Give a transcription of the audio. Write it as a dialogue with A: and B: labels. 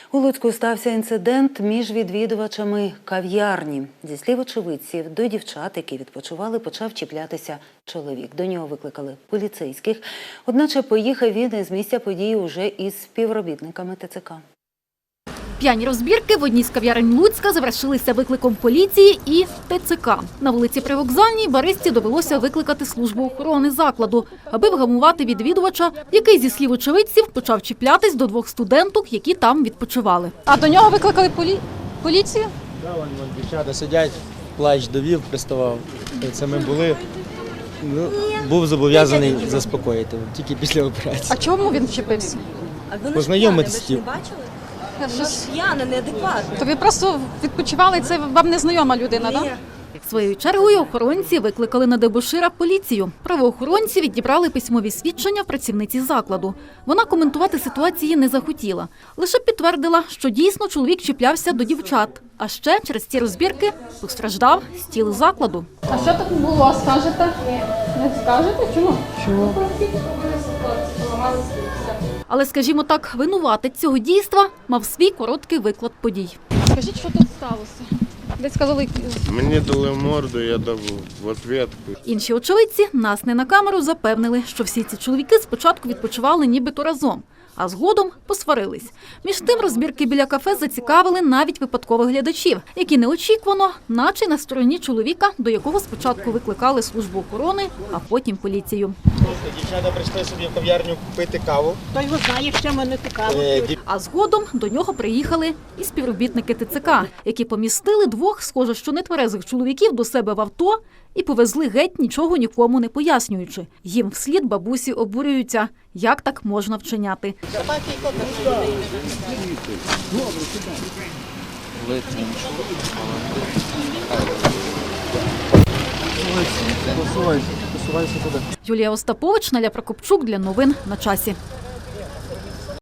A: У Луцьку стався інцидент між відвідувачами кав'ярні. Зі слів очевидців, до дівчат, які відпочивали, почав чіплятися чоловік. До нього викликали поліцейських. Одначе поїхав він із місця події уже із співробітниками ТЦК.
B: П'яні розбірки в одній з кав'ярень Луцька завершилися викликом поліції і ТЦК. На вулиці Привокзальній баристі довелося викликати службу охорони закладу, аби вгамувати відвідувача, який, зі слів очевидців, почав чіплятись до двох студенток, які там відпочивали.
C: А до нього викликали поліцію?
D: Так, вон дівчата сидять, плач довів, приставав. Це ми були. Був зобов'язаний заспокоїти, тільки після операції.
C: А чому він вчепився?
D: Познайомитись
E: Ви ж не бачили? Вона ж п'яна, неадекватна.
C: То ви просто відпочивали, це вам незнайома людина, так?
B: Своєю чергою охоронці викликали на дебошира поліцію. Правоохоронці відібрали письмові свідчення в працівниці закладу. Вона коментувати ситуації не захотіла. Лише підтвердила, що дійсно чоловік чіплявся до дівчат. А ще через ці розбірки постраждав стіл закладу.
C: А що так було, скажете? Не скажете? Чому?
B: Але, скажімо так, винуватець цього дійства мав свій короткий виклад подій.
C: Скажіть, що тут сталося? Десь сказали,
F: Мені дали морду, я дав в ответку.
B: Інші очевидці, нас не на камеру, запевнили, що всі ці чоловіки спочатку відпочивали нібито разом, а згодом посварились. Між тим розбірки біля кафе зацікавили навіть випадкових глядачів, які неочікувано, наче на стороні чоловіка, до якого спочатку викликали службу охорони, а потім поліцію.
D: Дівчата прийшли собі в кав'ярню купити каву.
E: Той його знає, що мене цікаво.
B: А згодом до нього приїхали і співробітники ТЦК, які помістили двох, схоже, що нетверезих чоловіків до себе в авто і повезли геть, нічого нікому не пояснюючи. Їм вслід бабусі обурюються, як так можна вчиняти.
D: Посувайся туди.
B: Юлія Остапович, Наля Прокопчук для новин на часі.